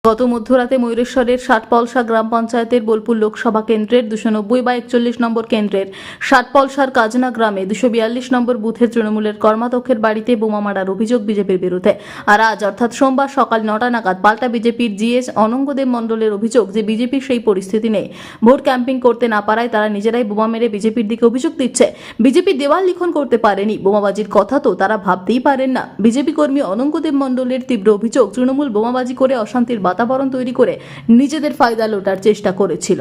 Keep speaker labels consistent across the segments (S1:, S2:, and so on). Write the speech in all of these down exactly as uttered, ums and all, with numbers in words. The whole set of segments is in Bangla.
S1: গত মধ্যরাতে ময়ূরেশ্বরের ষাটপলসা গ্রাম পঞ্চায়েতের বোলপুর লোকসভা কেন্দ্রের দুশো নব্বই বা একচল্লিশ নম্বর কেন্দ্রের ষাটপলসার কাজনা গ্রামে দুশো বিয়াল্লিশ নম্বর বুথের তৃণমূলের কর্মাধ্যক্ষের বাড়িতে বোমা মারার অভিযোগ বিজেপির বিরুদ্ধে। আর আজ অর্থাৎ সোমবার সকাল নটা নাগাদ পাল্টা বিজেপির জিএস অনঙ্গদেব মণ্ডলের অভিযোগ যে বিজেপির সেই পরিস্থিতি নেই, ভোট ক্যাম্পিং করতে না পারায় তারা নিজেরাই বোমা মেরে বিজেপির দিকে অভিযোগ দিচ্ছে। বিজেপি দেওয়াল লিখন করতে পারেনি, বোমাবাজির কথা তো তারা ভাবতেই পারেন না। বিজেপি কর্মী অনঙ্গদেব মণ্ডলের তীব্র অভিযোগ, তৃণমূল বোমাবাজি করে অশান্তির বাতাবরণ তৈরি করে নিজেদের ফায়দা লোটার চেষ্টা করেছিল।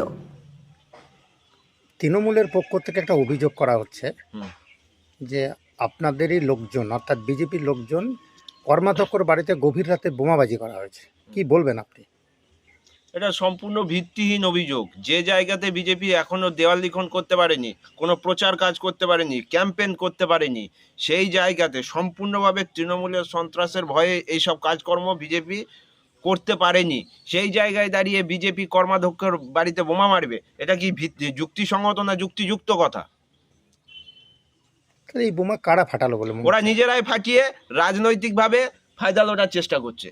S2: তৃণমূলের পক্ষ থেকে একটা অভিযোগ করা হচ্ছে যে আপনাদেরই লোকজন অর্থাৎ বিজেপির লোকজন কর্মাধ্যক্ষর বাড়িতে গভীর রাতে বোমাবাজি করা হয়েছে, কি বলবেন আপনি?
S3: এটা সম্পূর্ণ ভিত্তিহীন অভিযোগ। যে জায়গাতে বিজেপি এখনো দেওয়াল লিখন করতে পারেনি, কোনো প্রচার কাজ করতে পারেনি, ক্যাম্পেইন করতে পারেনি, সেই জায়গাতে সম্পূর্ণভাবে তৃণমূলের সন্ত্রাসের ভয়ে এইসব কাজকর্ম বিজেপি করতে পারেনি। সেই জায়গায় দাঁড়িয়ে বিজেপি কর্মাধ্যক্ষের বাড়িতে বোমা মারবে, এটা কি ভিত্তি যুক্তিসঙ্গত না যুক্তিযুক্ত কথা?
S2: তাহলে এই বোমা কারা ফাটালো বলে মনে
S3: ওরা
S2: হচ্ছে?
S3: নিজেরাই ফাটিয়ে রাজনৈতিকভাবে ফায়দা লোটার চেষ্টা করছে।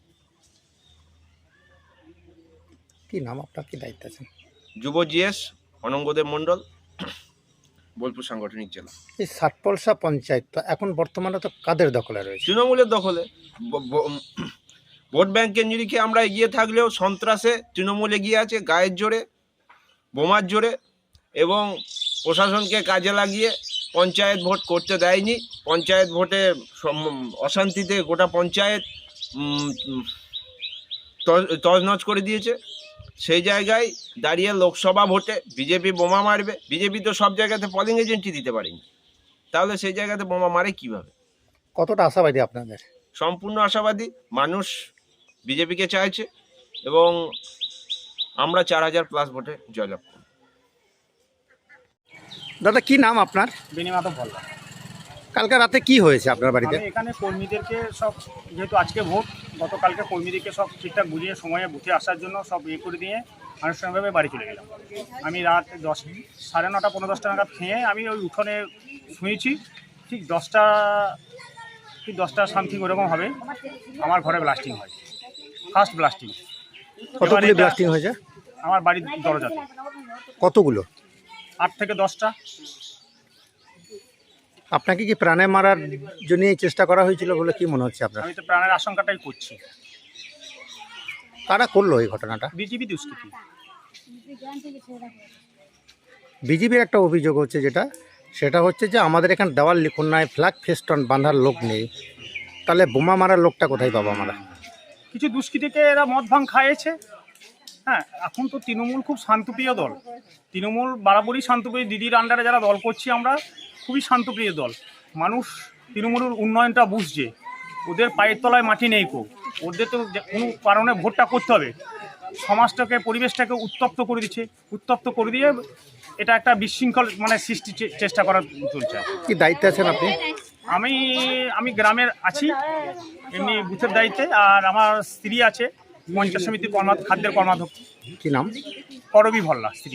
S2: কি নাম আপনার, কি দায়িত্ব আছেন?
S3: যুব জিএস অনঙ্গদেব মণ্ডল, বোলপুর সাংগঠনিক জেলা।
S2: এই ষাটপলসা পঞ্চায়েত তো এখন বর্তমানে তো কাদের দখলে রয়েছে?
S3: তৃণমূলের দখলে। ব- ব- ভোট ব্যাংকের নিরিখে আমরা এগিয়ে থাকলেও সন্ত্রাসে তৃণমূল এগিয়ে আছে, গায়ের জোরে, বোমার জোরে, এবং প্রশাসনকে কাজে লাগিয়ে পঞ্চায়েত ভোট করতে দেয়নি। পঞ্চায়েত ভোটে সম- অশান্তিতে গোটা পঞ্চায়েত উম, উম, তজ- তছনছ করে দিয়েছে। সেই জায়গায় দাঁড়িয়ে লোকসভা ভোটে বিজেপি বোমা মারবে। বিজেপি তো সব জায়গাতে পলিং এজেন্টই দিতে পারেনি, তাহলে সেই জায়গাতে বোমা মারে কিভাবে?
S2: কতটা আশাবাদী আপনাদের?
S3: সম্পূর্ণ আশাবাদী। মানুষ বিজেপিকে চাইছে এবং আমরা চার হাজার প্লাস ভোটে জয়লাভ করব।
S2: দাদা কি নাম আপনার?
S4: বেনিমাধব বললাম।
S2: কালকে রাতে কি হয়েছে আপনার বাড়িতে?
S4: আমি এখানে কর্মীদেরকে সব, যেহেতু আজকে ভোট, গতকালকে কর্মীদেরকে সব ঠিকঠাক বুঝিয়ে সময়ে বুথে আসার জন্য সব ইয়ে করে দিয়ে আনুষ্ঠানিকভাবে বাড়ি চলে গেলাম। আমি রাত দশ সাড়ে নটা পনেরো দশটা নাগাদ খেয়ে আমি ওই উঠোনে শুয়েছি। ঠিক দশটা ঠিক দশটা সামথিং ওরকম হবে, আমার ঘরে ব্লাস্টিং হয়, ফার্স্ট ব্লাস্টিং।
S2: কতগুলি ব্লাস্টিং হয়েছে?
S4: আমার বাড়ির দরজাতে
S2: কতগুলো?
S4: আট থেকে দশটা।
S2: আপনাকে কি প্রাণে মারার জন্য চেষ্টা করা হয়েছিল বলে কি মনে হচ্ছে আপনার?
S4: আমি তো প্রাণের আশঙ্কাটাই করছি।
S2: কারা করলো এই ঘটনাটা?
S4: বিজেপি দুষ্কৃতি।
S2: বিজেপির একটা অভিযোগ হচ্ছে, যেটা সেটা হচ্ছে যে আমাদের এখানে দেওয়াল লিখন নাই, ফ্ল্যাগ ফেস্টন বাঁধার লোক নেই, তাহলে বোমা মারার লোকটা কোথায় পাবো আমরা?
S4: কিছু দুষ্কৃতীকে এরা মদ ভাঙ খাইয়েছে। হ্যাঁ, এখন তো তৃণমূল খুব শান্তপ্রিয় দল। তৃণমূল বরাবরই শান্তপ্রিয়। দিদির আন্ডারে যারা দল করছি আমরা, খুবই শান্তপ্রিয় দল। মানুষ তৃণমূলের উন্নয়নটা বুঝছে। ওদের পায়ের তলায় মাটি নেই কো। ওদের তো যে কোনো কারণে ভোটটা করতে হবে। সমাজটাকে, পরিবেশটাকে উত্তপ্ত করে দিচ্ছে। উত্তপ্ত করে দিয়ে এটা একটা বিশৃঙ্খল মানে সৃষ্টি চেষ্টা করার চলছে।
S2: কি দায়িত্বে আছেন আপনি?
S4: আমি আমি গ্রামের আছি এমনি বুথের দায়িত্বে, আর আমার স্ত্রী আছে পঞ্চায়েত সমিতির কর্মা খাদ্যের কর্মাধ্যক্ষ।
S2: কি নাম?
S4: করবি ভল্লা স্ত্রী।